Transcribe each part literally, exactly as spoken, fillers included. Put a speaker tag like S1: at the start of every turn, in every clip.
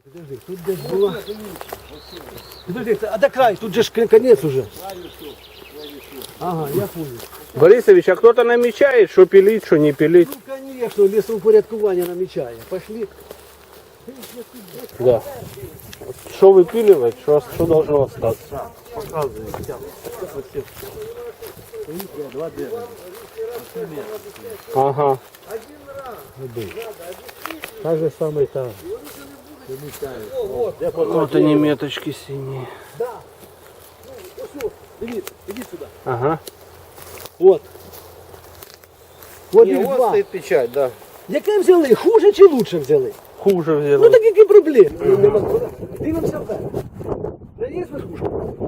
S1: Подожди, тут десь була. Подожди, а до краю, тут же ж конец уже. Ага, я понял.
S2: Борисович, а кто-то намечает, что пилить, что не пилить?
S1: Ну, конечно, лесоупорядкування намічає. Пошли.
S2: Да. Что выпиливать, что, что должно остаться?
S1: Показывай. Два дерева.
S2: Ага.
S1: Так же самое там.
S2: Вот они меточки синие.
S1: Да. Ну, иди, иди сюда.
S2: Ага.
S1: Вот. Вот
S2: Не,
S1: их
S2: вот
S1: два.
S2: стоит печать, да.
S1: Яке взяли? Хуже чи лучше взяли?
S2: Хуже
S1: Ну
S2: взяли.
S1: так які проблеми? Дивимося вверх. Де є верхушка?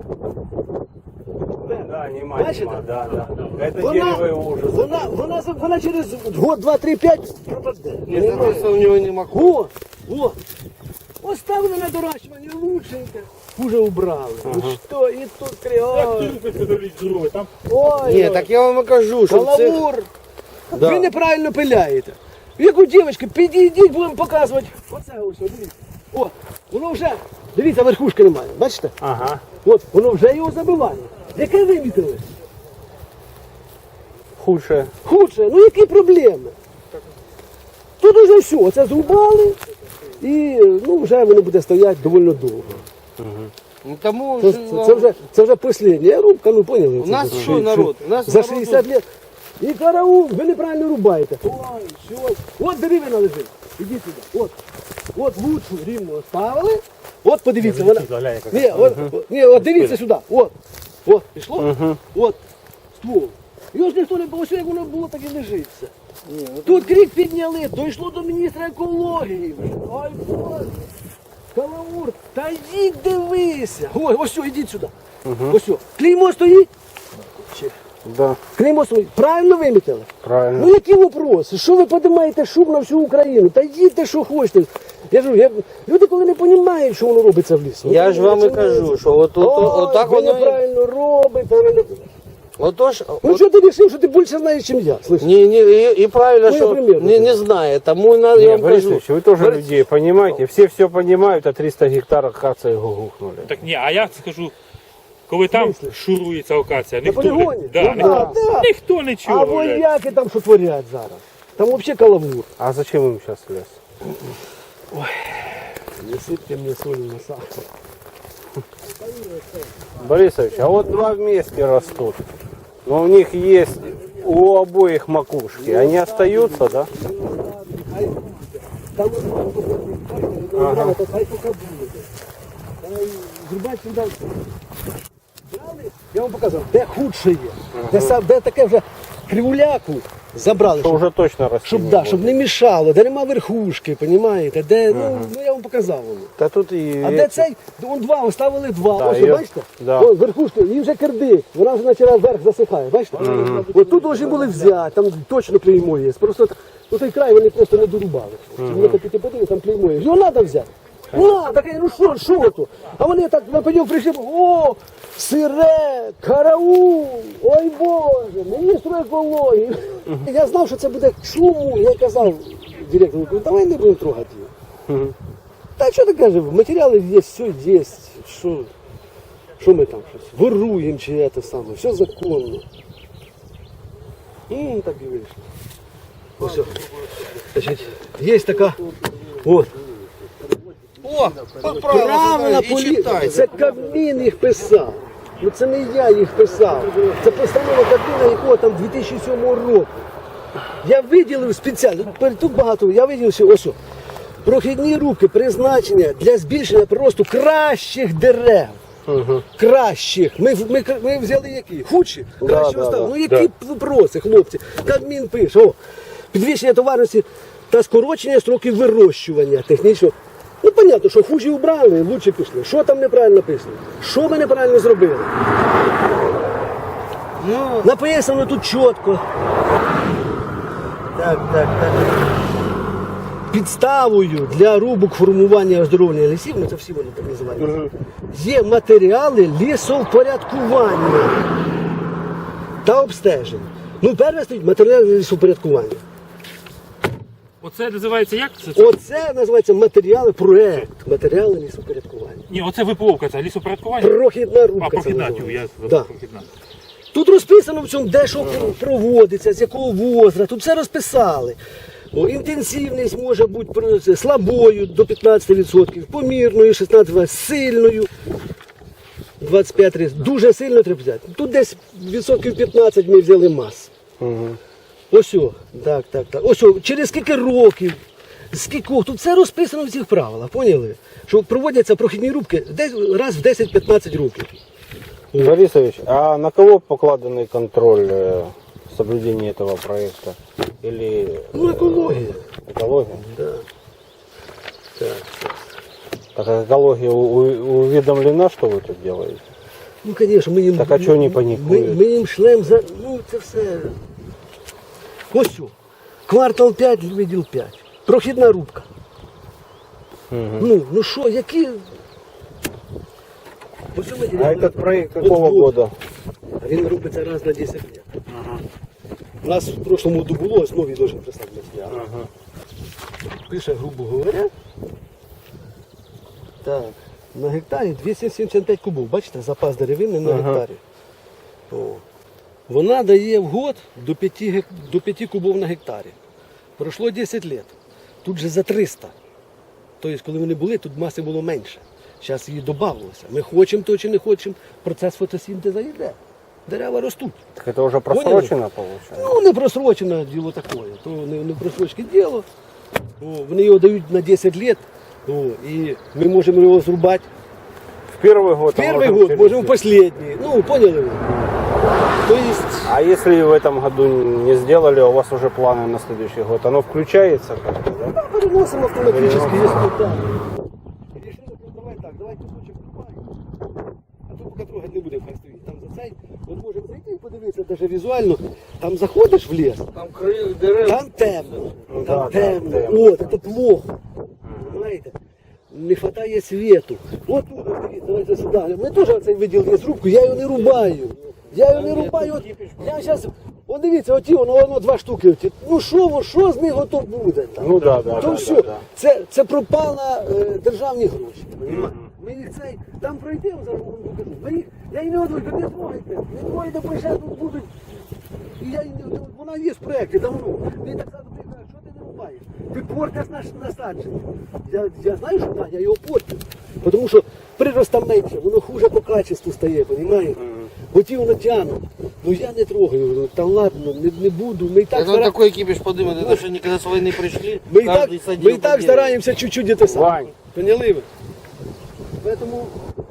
S2: Да, нема,
S1: Бачите?
S2: нема, да, да. Это
S1: Вона,
S2: дерево его уже.
S1: вона, вона, вона через год, два, три, п'ять пропаде.
S2: Не просто у него нема.
S1: О, о. Оставили на доращування лучшенько. Хуже убрали. Ну що, і тут кріо. Ой,
S2: Нет, так я вам и кажу, что
S1: калавур.
S2: Да.
S1: Ви неправильно пиляєте. Як у дівчинки, підійдіть, будемо показувати. Оце ось, дивіться. О, воно вже, дивіться, верхушки немає, бачите?
S2: Ага.
S1: От, воно вже його забиває. Яке вимітили?
S2: Худшее.
S1: Худше, ну які проблеми? Тут уже все, оце зрубали і ну, вже воно буде стояти доволі довго.
S2: Ну, тому
S1: Це, це, це вже, це вже остання рубка, ну поняли?
S2: У нас
S1: Це
S2: що,
S1: вже-
S2: народ? У нас
S1: За
S2: народ-
S1: шістдесят років. І караул, ви неправильно рубаєте. Ой, що? От деревина лежить. Ідіть сюди. От. От лучшу рівно ставили. От подивіться, вона. Ні, от, ні, от дивіться сюди. От. От, пішло? От. Ствол. Його ж ніхто не було, як воно було, так і лежиться. Тут крик підняли, дійшло до міністра екології. Ой, Боже. Калаур, та йдіть дивися. Ой, ось все, ідіть сюди. Ось все. Клеймо стоїть.
S2: Да,
S1: Клеймо стоїть. Правильно вимітили?
S2: правильно.
S1: Ну які вопроси? Що ви піднімаєте шум на всю Україну? Та їдьте, що хочете. Я ж, я, люди коли не розуміють, що воно робиться в лісі.
S2: Я ж вам і кажу, що от, от, от,
S1: Ой,
S2: от так
S1: ви
S2: воно...
S1: неправильно робите. Ви не...
S2: Отож,
S1: Ну що ти вирішив, що ти більше знаєш, ніж я? Слышиш?
S2: не, не, и, и правильно,
S1: Ну,
S2: что
S1: например,
S2: не, не знает. Тому на, я
S3: Не,
S2: вам
S3: Борис
S2: кажу.
S3: Ильич, вы тоже
S2: Борис-
S3: людей понимаете, все все понимают, а триста гектаров акации гухнули.
S4: Так ні, а я скажу, коли там шурується акація, ніхто,
S1: полігоні?
S4: не, да,
S1: Ну,
S4: ніхто,
S1: да, да.
S4: ніхто не
S1: А
S4: чує. блядь.
S1: вояки там що творять зараз? Там взагалі каламур.
S3: А зачем им сейчас лес?
S1: Не сипте мені солі на сахар.
S3: Борисович, а вот два вместе растут, но у них есть у обоих макушки, они остаются, да?
S1: Там ага. Хай поки буде. Зрубати сюди. Брали, я вам показав, де худше є. Де, сам- де таке вже кривуляку забрали,
S3: Что
S1: щоб,
S3: уже точно растет.
S1: щоб, да, щоб не мішало, де нема верхушки, розумієте? Де, ну, ну я вам показав воно.
S3: Да тут и
S1: А
S3: эти-
S1: де цей? Вон два, оставили два.
S3: Да,
S1: Ось,
S3: йо-
S1: бачите?
S3: да.
S1: Ось верхушка, її вже керди. Вона вже почала вверх засихає, бачите? От тут повинні були взяти, там точно клеймо є. Просто ну, той край вони просто не дорубали. Вони так піти подивили, там клеймо є. Його треба взяти. Ну, так, ну що, що то? А вони так на поділ прийшли, о, сире, караул, ой Боже, міністру екології. Я знав, що це буде шуму, я казав директору, кажу, давай не будемо трогати його. Та що ти кажеш, матеріали є, все є, що, що ми там щось воруємо чи це саме, все законно. І так і вийшло. Ось, о. Значить, є така, от,
S2: О,
S1: правила полі... Це Кабмін їх писав. Ну це не я їх писав. Це постанова Кабміна, якого там дві тисячі сьомого року. Я виділив спеціально, тут- тут багато, я виділив, що ось, о, прохідні рубки призначення для збільшення приросту кращих дерев. Кращих. Ми, ми, ми взяли які? Худші? Кращі
S3: да,
S1: оставили.
S3: да,
S1: Ну які вопроси, хлопці? Кабмін пише, о, підвищення товарності та скорочення строків вирощування технічного. Ну, понятно, що хужі убрали, лучше пішли. Що там неправильно написано? Що ми неправильно зробили?
S2: ну,
S1: Написано тут чітко.
S2: так, так, так.
S1: Підставою для рубок формування і оздоровлення лісів, ну це всі вони так називають, є матеріали лісовпорядкування та обстеження. Ну, перше стоїть матеріали лісовпорядкування.
S4: Оце називається як? Це, це?
S1: Оце називається матеріали, проект, матеріали лісопорядкування.
S4: Ні, оце випловка, це лісопорядкування.
S1: Прохідна рубка.
S4: А,
S1: це
S4: прохідна, тю,
S1: називається.
S4: я
S1: Да.
S4: прохідна.
S1: Тут розписано в цьому, де що проводиться, з якого возраста, тут все розписали. О, інтенсивність може бути про- слабою до п'ятнадцять відсотків, помірною шістнадцять відсотків, сильною двадцять п'ять відсотків. Дуже сильно треба взяти. Тут десь відсотків п'ятнадцять ми взяли мас.
S2: Угу.
S1: Ось, о, так, так, так. Ось, о, через скільки років, скількох, тут все розписано в цих правилах, поняли? Що проводяться прохідні рубки десь раз в десять-п'ятнадцять років.
S2: Борисович, а на кого покладенный контроль э, соблюдения этого проекта? Или
S1: Ну, екологія.
S2: экология?
S1: Да. Так, так.
S2: Так а экология у- у- уведомлена, что вы тут делаете?
S1: Ну, звісно, ми їм...
S2: Так, а чого вони
S1: ми,
S2: панікують?
S1: ми їм шлем за... Ну, це все... Ось що. Квартал п'ять, відділ п'ять. Прохідна рубка. Ну, ну що, які... Ось що ми
S2: А
S1: ділимо?
S2: этот проект
S1: От
S2: какого
S1: вот.
S2: года?
S1: Він робиться раз на десять років. У нас в прошлому году було, ось новий должен прислати матеріал. Пише, грубо говоря. Так, на гектарі двісті сімдесят п'ять кубів. Бачите, запас деревини на гектарі. О. Вона дає в год до п'яти, гек- до п'яти кубів на гектарі. Пройшло десять років. Тут же за триста. Тобто, коли вони були, тут маси було менше. Зараз її додавалося. Ми хочемо то чи не хочемо, процес фотосинтезу йде. Дерева ростуть.
S2: Так это уже просрочено получается?
S1: Ну, не просрочене діло таке, то не, не просрочне діло. О, вони його дають на десять років, о, і ми можемо його зрубати.
S2: В первый год?
S1: В
S2: а
S1: перший
S2: можем
S1: год,
S2: через
S1: можемо в
S2: год.
S1: останній. Ну, поняли ви? То есть,
S2: А если в этом году не сделали, а у вас уже планы на следующий год, оно включается как-то, да?
S1: да, переносимо автоматично, якщо так. Рішили, ну, давай так, давай кусочок рубаємо. А тут поки трогати не будемо, хай стоїть. Там за цей, от можемо зайти і подивитися, навіть візуально, там заходиш в ліс,
S3: Там крылья дерев.
S1: там темно,
S2: Ну,
S1: там
S2: да, да,
S1: темно,
S2: темно.
S1: от, це плохо. Знаєте, не вистачає світу. От тут, ось дивіться, давайте сюди. Ми теж оцей виділ є рубку, я його не рубаю. Я його не рубаю. От, я зараз, от дивіться, оті, воно, воно два штуки. Оті. Ну що, во- що з них ото буде? Там?
S2: Ну да, да,
S1: То
S2: да,
S1: все,
S2: да, да.
S1: Це, це пропало е, державні гроші. понімаєте? Ми їх цей, там пройдемо, зараз вам покажу. Ми їх, я її не одну, не трогайте, не трогайте, бо ще тут будуть. І я, її не- вона є в проєкті давно. Мені так само ти кажеш, що ти не рубаєш? Ти портиш наш насадження. Я, я знаю, що так, я його портю. Тому що прирост там менше, воно хуже по качеству стає, розумієте? Оті воно тягнуть. Ну я не трогаю, ну, та ладно, не, не буду. Ми і так,
S3: Это
S1: стара...
S3: такой кипиш подымет, это что никогда с войны пришли,
S1: ми і так,
S3: каждый садил
S1: ми і
S3: по
S1: так
S3: дереву.
S1: стараємося чуть-чуть це саме.
S2: Вань.
S1: Поняли ви? Поэтому...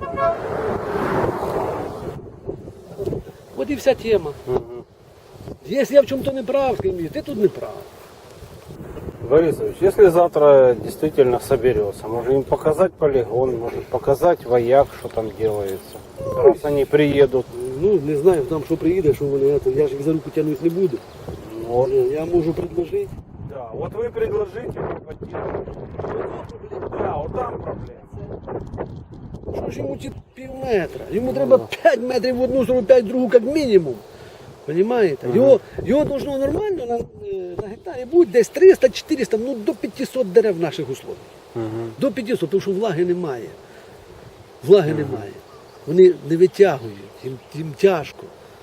S1: От і вся тема. Якщо я в чому-то не прав, скажи, ти тут не прав.
S2: Борисович, если завтра действительно соберется, может им показать полигон, может показать вояк, что там делается. Раз они приедут.
S1: Ну, не знаю, там що приїде, що вони, це, я ж їх за руку тягнути не буду.
S2: Вот.
S1: Я можу предложити.
S2: Да, вот вы предложите, мы поддержим. Да, вот там проблема.
S1: Що ж йому ті пів метра? Йому треба п'ять метрів в одну сторону, п'ять в другу, як мінімум. Понимаєте? Його, його должно нормально на, е, на гектарі бути десь триста-чотириста, ну до п'ятсот дерев в наших условиях. До п'ятсот, тому що влаги немає. Влаги немає. Вони не витягують, їм, їм тяжко.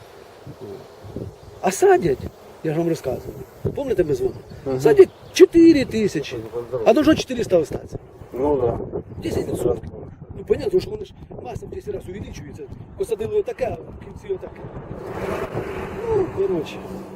S1: А садять, я ж вам розказував, пам'ятаєте ми з вами? Садять чотири тисячі, а должно чотириста остатися.
S2: Ну да.
S1: десять відсотків. Ну, понятно, що вони ж маса в десять разів увеличується. Посадили отаке, а в кінці отаке. Ну, коротше.